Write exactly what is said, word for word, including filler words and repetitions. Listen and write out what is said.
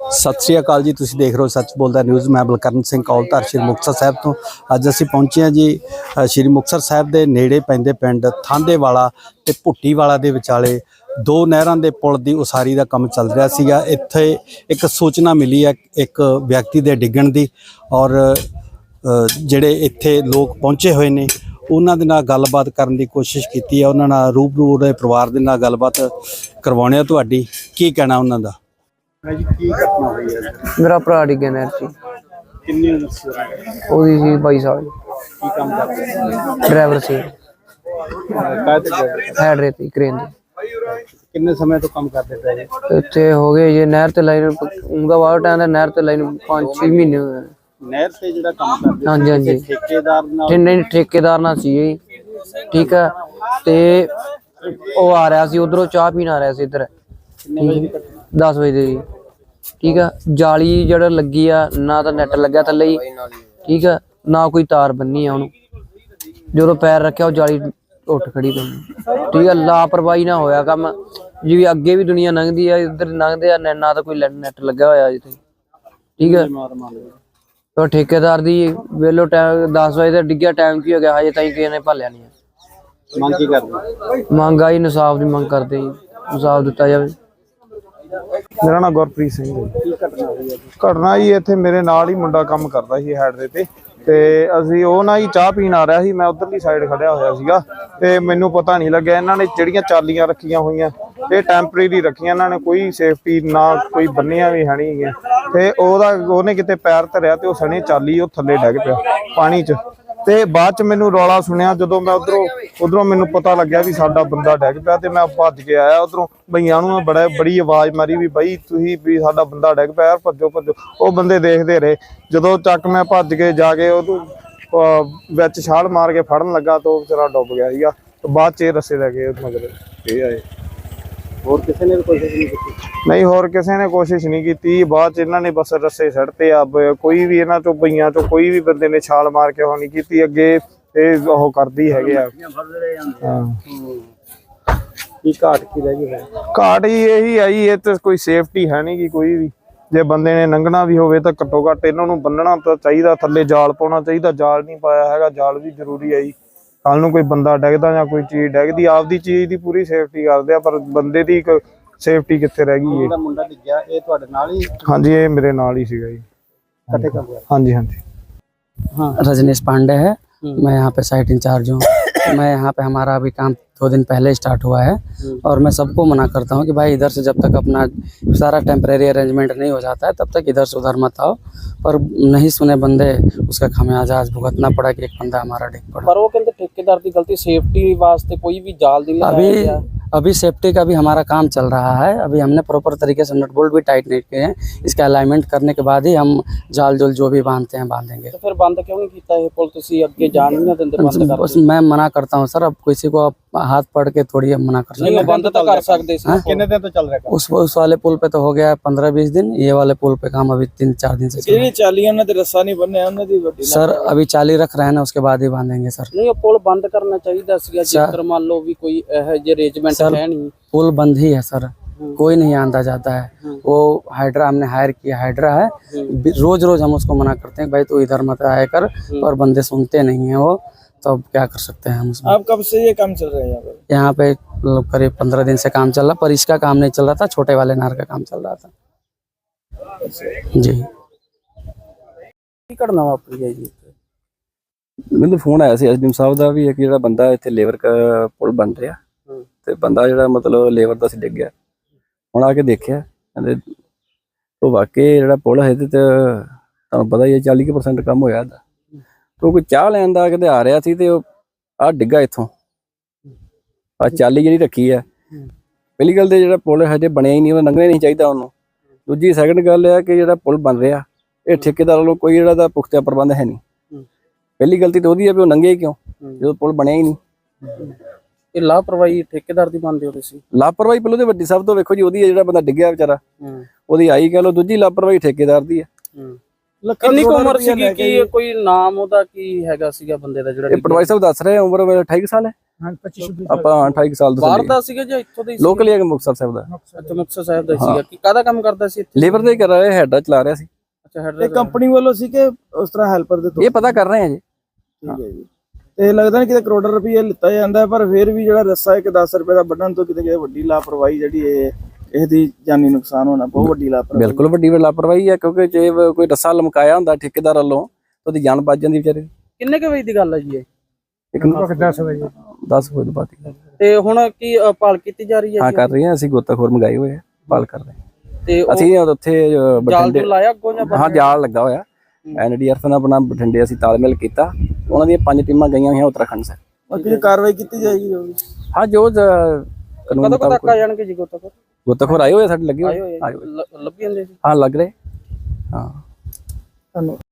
सत श्री अकाल जी, तुसीं देख रहे हो सच बोलदा न्यूज़। मैं बलकਰਨ ਸਿੰਘ ਕੌਲਧਾਰ श्री मुक्तसर साहब तो अज असीं पहुंचे हैं जी श्री मुक्तसर साहब के नेड़े पैंदे पिंड थांदेवाला ते भुट्टीवाला दे विचाले दो नहरां दे पुल दी उसारी का काम चल रहा सीगा। इत्थे एक सूचना मिली है एक व्यक्ति दे डिग्गण दी और ਜਿਹੜੇ ਇੱਥੇ ਲੋਕ ਪਹੁੰਚੇ ਹੋਏ ਨੇ ਉਹਨਾਂ ਦੇ ਨਾਲ ਗੱਲਬਾਤ ਕਰਨ ਦੀ ਕੋਸ਼ਿਸ਼ ਕੀਤੀ ਹੈ। ਉਹਨਾਂ ਨਾਲ ਰੂਬਰੂ ਦੇ ਪਰਿਵਾਰ ਦੇ ਨਾਲ ਗੱਲਬਾਤ ਕਰਵਾਉਣੀ ਆ। ਤੁਹਾਡੀ ਕੀ ਕਹਿਣਾ ਉਹਨਾਂ ਦਾ? ਜੀ ਕੀ ਘਟਨਾ ਹੋਈ ਹੈ? ਮੇਰਾ ਭਰਾ ਡਿੱਗਿਆ ਨਹਿਰ 'ਚ। ਕਿੰਨੀ ਉਮਰ ਸੀ ਉਹਦੀ? ਸੀ ਬਾਈ ਸਾਲ। ਕੀ ਕੰਮ ਕਰਦੇ ਸੀ? ਡਰਾਈਵਰ ਸੀ। ਕਾਹਦੇ ਹੈਡ ਰੇਤੀ ਕ੍ਰੇਨ ਦੀ। ਕਿੰਨੇ ਸਮੇਂ ਤੋਂ ਕੰਮ ਕਰਦੇ ਪਏ? ਇੱਥੇ ਹੋ ਗਏ ਜੇ ਨਹਿਰ ਤੇ ਲਾਈਨ ਉਹਦਾ ਵਾਰ ਟਾਈਮ ਦਾ ਨਹਿਰ ਤੇ ਲਾਈਨ ਪੰਜ ਛੇ ਮਹੀਨੇ ਹੋਏ। ਨਹਿਰ ਤੇ ਜਿਹੜਾ ਕੰਮ ਕਰਦੇ? ਹਾਂਜੀ ਹਾਂਜੀ, ਠੇਕੇਦਾਰ ਨਾਲ? ਨਹੀਂ ਠੇਕੇਦਾਰ ਨਾਲ ਸੀ ਜੀ। ਠੀਕ ਹੈ, ਤੇ ਉਹ ਆ ਰਿਹਾ ਸੀ ਉਧਰੋਂ ਚਾਹ ਪੀਣ ਆ ਰਿਹਾ ਸੀ ਇੱਧਰ ਦਸ ਵਜੇ ਦੇ ਜੀ। ਠੀਕ ਆ, ਜਾਲੀ ਜਿਹੜਾ ਲੱਗੀ ਆ ਨਾ ਤਾਂ ਨੈਟ ਲੱਗਿਆ ਥੱਲੇ ਹੀ। ਠੀਕ ਆ, ਨਾ ਕੋਈ ਤਾਰ ਬੰਨੀ ਆ ਉਹਨੂੰ। ਜਦੋਂ ਪੈਰ ਰੱਖਿਆ ਉਹ ਜਾਲੀ ਉੱਠ ਖੜੀ ਪਈ। ਠੀਕ ਆ, ਲਾਪਰਵਾਹੀ ਨਾ ਹੋਇਆ ਕੰਮ। ਜਿਵੇਂ ਅੱਗੇ ਵੀ ਦੁਨੀਆ ਲੰਘਦੀ ਆ ਇੱਧਰ ਲੰਘਦੇ ਆ, ਨਾ ਤਾਂ ਕੋਈ ਨੈਟ ਲੱਗਾ ਹੋਇਆ ਜਿੱਥੇ। ਠੀਕ ਆ, तो ठेकेदार दी वेलो टाइम दस बजे तक डिग्गिया टाइम की हो गया हजे ताईं किसी ने भालिया नहीं है। मंग की करदे? मंग आई इंसाफ की मंग करते ही इंसाफ दिता जाए। मेरा नाम गुरप्रीत सिंह है। घटना जी इत्थे मेरे नाल ही मुंडा काम करदा सी हैड दे ते ते असीं ਉਹ ਨਾ ਹੀ ਚਾਹ ਪੀਣ ਆ ਰਿਹਾ ਸੀ। मैं उधरली साइड खड़िया होया सीगा ते मैनूं पता नहीं लग्या इन्हां ने ਜਿਹੜੀਆਂ ਚਾਲੀਆਂ ਰੱਖੀਆਂ ਹੋਈਆਂ ਇਹ ਟੈਂਪਰੇਰੀ ਰੱਖੀਆਂ ਇਹਨਾਂ ਨੇ, ਕੋਈ ਸੇਫਟੀ ਨਾ ਕੋਈ ਬੰਨਿਆ ਵੀ ਹੈ ਨਹੀਂ ਹੈਗੀਆਂ। ਤੇ ਉਹਦਾ ਉਹਨੇ ਕਿਤੇ ਪੈਰ ਧਰਿਆ ਤੇ ਉਹ ਸਣੇ ਚਾਲੀ ਉਹ ਥੱਲੇ ਡਿੱਗ ਪਿਆ ਪਾਣੀ 'ਚ। ਤੇ ਬਾਅਦ 'ਚ ਮੈਨੂੰ ਰੌਲਾ ਸੁਣਿਆ ਜਦੋਂ ਮੈਂ ਉਧਰੋਂ ਉਧਰੋਂ ਮੈਨੂੰ ਪਤਾ ਲੱਗਿਆ ਵੀ ਸਾਡਾ ਬੰਦਾ ਡਿੱਗ ਪਿਆ ਤੇ ਮੈਂ ਭੱਜ ਕੇ ਆਇਆ ਉਧਰੋਂ। ਬਈਆਂ ਨੂੰ ਮੈਂ ਬੜਾ ਬੜੀ ਆਵਾਜ਼ ਮਾਰੀ ਵੀ ਬਈ ਤੁਸੀਂ ਵੀ ਸਾਡਾ ਬੰਦਾ ਡਿੱਗ ਪਿਆ, ਭੱਜੋ ਭੱਜੋ। ਉਹ ਬੰਦੇ ਦੇਖਦੇ ਰਹੇ। ਜਦੋਂ ਚੱਕ ਮੈਂ ਭੱਜ ਕੇ ਜਾ ਕੇ ਉਹਨੂੰ ਵਿੱਚ ਛਾਲ ਮਾਰ ਕੇ ਫੜਨ ਲੱਗਾ ਤਾਂ ਉਹ ਵਿਚਾਰਾ ਡੁੱਬ ਗਿਆ ਸੀਗਾ। ਬਾਅਦ 'ਚ ਇਹ ਰੱਸੇ ਲੈ ਕੇ ਮਗਰ ਇਹ ਆਏ। ਹੋਰ ਕਿਸੇ ਨੇ ਵੀ ਕੋਸ਼ਿਸ਼ ਨਹੀਂ ਕੀਤੀ? ਨਹੀਂ, ਹੋਰ ਕਿਸੇ ਨੇ ਕੋਸ਼ਿਸ਼ ਨਹੀਂ ਕੀਤੀ। ਬਾਅਦ 'ਚ ਇਹਨਾਂ ਨੇ ਬਸ ਰੱਸੇ ਸੱਟਤੇ ਆ। ਕੋਈ ਵੀ ਇਹਨਾਂ ਚੋਂ ਬਈਆਂ ਚੋਂ ਕੋਈ ਵੀ ਬੰਦੇ ਨੇ ਛਾਲ ਮਾਰ ਕੇ ਉਹ ਨਹੀਂ ਕੀਤੀ। ਅੱਗੇ ਇਹ ਉਹ ਕਰਦੀ ਹੈਗੇ ਆ। ਹਾਂ, ਕੀ ਘਾਟ ਕੀ ਰਹਿ ਗਈ? ਘਾਟ ਹੀ ਇਹੀ ਆਈ ਇਹ ਤੇ ਕੋਈ ਸੇਫਟੀ ਹੈ ਨਹੀਂ ਗੀ ਕੋਈ ਵੀ। ਜੇ ਬੰਦੇ ਨੇ ਲੰਘਣਾ ਵੀ ਹੋਵੇ ਤਾਂ ਘੱਟੋ ਘੱਟ ਇਹਨਾਂ ਨੂੰ ਬੰਨਣਾ ਤਾਂ ਚਾਹੀਦਾ, ਥੱਲੇ ਜਾਲ ਪਾਉਣਾ ਚਾਹੀਦਾ। ਜਾਲ ਨਹੀਂ ਪਾਇਆ ਹੈਗਾ, ਜਾਲ ਵੀ ਜ਼ਰੂਰੀ ਹੈ ਜੀ। ਕੱਲ ਨੂੰ ਕੋਈ ਬੰਦਾ ਡਿੱਗਦਾ ਜਾਂ ਕੋਈ ਚੀਜ਼ ਡਿੱਗਦੀ ਆਪਦੀ ਚੀਜ਼ ਦੀ ਪੂਰੀ ਸੇਫਟੀ ਕਰਦੇ ਆ, ਪਰ ਬੰਦੇ ਦੀ ਸੇਫਟੀ ਕਿੱਥੇ ਰਹਿ ਗਈ? ਜਿਹੜਾ ਮੁੰਡਾ ਡਿੱਗਿਆ ਇਹ ਤੁਹਾਡੇ ਨਾਲ ਹੀ? ਹਾਂਜੀ, ਇਹ ਮੇਰੇ ਨਾਲ ही ਸੀਗਾ जी। इकट्ठे कर दिया? हाँ जी हाँ जी। हाँ, रजनीश पांडे है। मैं यहाँ पे साइट इंचार्ज हूँ। मैं यहाँ पे हमारा अभी काम दो दिन पहले स्टार्ट हुआ है और मैं सबको मना करता हूँ कि भाई इधर से जब तक अपना सारा टेम्परेरी अरेंजमेंट नहीं हो जाता है तब तक इधर से उधर मत आओ। पर नहीं सुने बंदे, उसका खामियाजा आज भुगतना पड़ा कि एक बंदा हमारा डिग पड़ा। पर वो कहते ठेकेदार की गलती, सेफ्टी वास्ते कोई भी जाल नहीं अभी अभी सेफ्टी का भी हमारा काम चल रहा है। अभी हमने प्रॉपर तरीके से नट बोल्ट भी टाइट नहीं किए हैं। इसका अलाइनमेंट करने के बाद ही हम जाल जोल जो भी बांधते हैं बांधेंगे। तो फिर बंद क्यों नहीं किया ये पुल? तुसी अगे जान नहीं देंदे बंद कर? बस मैं मना करता हूँ सर। अब किसी को आप हाथ पड़ के थोड़ी हम मना कर सकते हैं। बंद तो कर सकते हैं। कितने दिन तो चल रहा है? उस उस वाले पुल पे तो हो गया पंद्रह बीस दिन। ये वाले पुल पे काम अभी तीन चार दिन से सर। अभी चाली रख रहे हैं ना, उसके बाद ही बांधेंगे सर। नहीं, पुल बंद करना चाहिए जेकर मान लो भी कोई अरेंजमेंट है नहीं। पुल बंद ही है सर, कोई नहीं आंदा जाता है। वो हाइड्रा हमने हायर किया, हाइड्रा है। रोज रोज हम उसको मना करते हैं भाई तू इधर मत आया कर, पर बंदे सुनते नहीं है वो। तो अब क्या कर सकते हैं हम उसमें। अब कब से ये काम चल रहा है यहाँ पे? करीब पंद्रह दिन से काम चल रहा, पर इसका काम नहीं चल रहा था, छोटे वाले नहर का काम चल रहा था जी। घटना वापरी है जी। ਮੈਨੂੰ ਫੋਨ ਆਇਆ ਸੀ ਐਸਡੀਐਮ ਸਾਹਿਬ ਦਾ ਵੀ ਇੱਕ ਜਿਹੜਾ ਬੰਦਾ ਇੱਥੇ ਲੇਬਰ ਪੁਲ ਬਣ ਰਿਹਾ ਤੇ ਬੰਦਾ ਜਿਹੜਾ ਮਤਲਬ ਲੇਬਰ ਦਾ ਸੀ ਡਿੱਗ ਗਿਆ। ਹੁਣ ਆ ਕੇ ਦੇਖਿਆ ਕਹਿੰਦੇ ਉਹ ਵਾਕਈ ਜਿਹੜਾ ਪੁਲ ਹੈ ਤੇ ਤੁਹਾਨੂੰ ਪਤਾ ਹੀ ਹੈ ਚਾਲੀ ਪਰਸੈਂਟ ਕੰਮ ਹੋਇਆ ਇਹਦਾ। तो कोई चाह लैन का कहते आ रहा सी ते आ डिग्गा इत्थों आ चाली जी रखी है। पहली गल तो जो पुल हजे बनया ही नहीं, लंघना नहीं चाहिए उन्होंने। दूजी सैकंड गल है कि जो पुल बन रहा ये ठेकेदार वालों कोई जो पुख्ता प्रबंध है नहीं। पहली गलती तो वही है भी वो लंघे क्यों जो पुल बनया ही नहीं। लापरवाही ठेकेदार की मानते हो? लापरवाही पहले तो वड्डी सब तो वेखो जी, वो जो बंदा डिग्या बेचारा वो आई कह लो। दूजी लापरवाही ठेकेदार की है। ਕਿੰਨੀ ਕੁ ਉਮਰ ਸੀਗੀ? ਕੀ ਕੋਈ ਨਾਮ ਉਹਦਾ ਕੀ ਹੈਗਾ ਸੀਗਾ ਬੰਦੇ ਦਾ ਜਿਹੜਾ ਇਹ ਪਟਵਾਰੀ ਸਾਹਿਬ ਦੱਸ ਰਹੇ ਆ, ਉਮਰ ਅਠਾਈ ਕੁ ਸਾਲ ਹੈ। ਹਾਂ ਪੱਚੀ ਛੱਬੀ ਆਪਾਂ ਅਠਾਈ ਕੁ ਸਾਲ ਬਾਹਰ ਦੱਸ ਦਾ ਸੀਗਾ ਜਾਂ ਇੱਥੋਂ ਦਾ ਹੀ ਲੋਕਲ ਹੀ ਹੈ ਮੁਕਤਸਰ ਸਾਹਿਬ ਦਾ। ਅੱਛਾ ਮੁਕਤਸਰ ਸਾਹਿਬ ਦਾ ਹੀ ਸੀਗਾ। ਕੀ ਕਾਹਦਾ ਕੰਮ ਕਰਦਾ ਸੀ ਇੱਥੇ? ਲੇਬਰ ਦਾ ਹੀ ਕਰ ਰਿਹਾ, ਹੈਡ ਚਲਾ ਰਿਹਾ ਸੀ। ਅੱਛਾ ਹੈਡ ਇਹ ਕੰਪਨੀ ਵੱਲੋਂ ਸੀ ਕਿ ਉਸ ਤਰ੍ਹਾਂ ਹੈਲਪਰ ਦੇ ਤੋਂ? ਇਹ ਪਤਾ ਕਰ ਰਹੇ ਆ ਜੀ। ਠੀਕ ਹੈ ਜੀ। ਤੇ ਲੱਗਦਾ ਨਹੀਂ ਕਿਤੇ ਕਰੋੜਾਂ ਰੁਪਏ ਲਿੱਤਾ ਜਾਂਦਾ, ਪਰ ਫਿਰ ਵੀ ਜਿਹੜਾ ਰੱਸਾ ਇੱਕ ਦਸ ਰੁਪਏ ਦਾ ਵੱਢਣ ਤੋਂ ਕਿਤੇ ਕਿਤੇ ਵੱਡੀ ਲਾਪਰਵਾਹੀ ਜਿਹੜੀ ਇਹ ਇਹਦੀ ਜਾਨੀ ਨੁਕਸਾਨ ਹੋਣਾ ਬਹੁਤ ਵੱਡੀ ਲਾਪਰਵਾਹੀ। ਬਿਲਕੁਲ ਵੱਡੀ ਲਾਪਰਵਾਹੀ ਹੈ, ਕਿਉਂਕਿ ਜੇ ਕੋਈ ਰੱਸਾ ਲਮਕਾਇਆ ਹੁੰਦਾ ਠੇਕੇਦਾਰ ਵੱਲੋਂ ਉਹਦੀ ਜਾਨ ਬਚ ਜਾਂਦੀ ਵਿਚਾਰੇ ਦੀ। ਕਿੰਨੇ ਕੁ ਵਜੇ ਦੀ ਗੱਲ ਹੈ ਜੀ ਇਹ? ਇੱਕ ਦਸ ਵਜੇ ਦਸ ਵਜੇ ਬਾਅਦ ਦੀ। ਤੇ ਹੁਣ ਕੀ ਅ, ਭਾਲ ਕੀਤੀ ਜਾ ਰਹੀ ਹੈ? ਹਾਂ ਕਰ ਰਹੇ ਹਾਂ ਅਸੀਂ, ਗੋਤਾਖੋਰ ਮੰਗਾਏ ਹੋਏ ਆ, ਭਾਲ ਕਰ ਰਹੇ ਹਾਂ। ਤੇ ਉਹ ਅਸੀਂ ਉੱਥੇ ਅ, ਜਾਲ ਬਠਿੰਡੇ ਜੂਲ ਲਾਇਆ ਅੱਗੋਂ ਜਾਂ ਹਾਂ ਜਾਲ ਲੱਗਾ ਹੋਇਆ। ਐਨਡੀਆਰਐਫ ਨਾਲ ਆਪਣਾ ਬਠਿੰਡੇ ਅਸੀਂ ਤਾਲਮੇਲ ਕੀਤਾ, ਉਹਨਾਂ ਦੀਆਂ ਪੰਜ ਟੀਮਾਂ ਗਈਆਂ ਹੋਈਆਂ ਉੱਤਰਾਖੰਡ ਸੇ। ਬਾਕੀ ਕਾਰਵਾਈ ਕੀਤੀ ਜਾਏਗੀ ਜੋ ਵੀ। ਹਾਂ ਜੋ ਜ- ਕਾਨੂੰਨ ਕਦੋਂ ਤੱਕ ਮੁਤਾਬਕ ਆ ਜਾਣਗੇ ਜੀ ਗੋਤਾਖੋਰ? ਗੋਤਾਖੋਰ ਆਏ ਹੋਏ ਸਾਡੇ ਲੱਗੇ ਆਏ ਹੋਏ ਹੋਏ ਆ ਜੀ? ਲ- ਲੱਭੀ ਜਾਂਦੇ ਸੀ? ਹਾਂ ਲੱਗ ਰਹੇ ਹਾਂ। ਧੰਨਵਾਦ।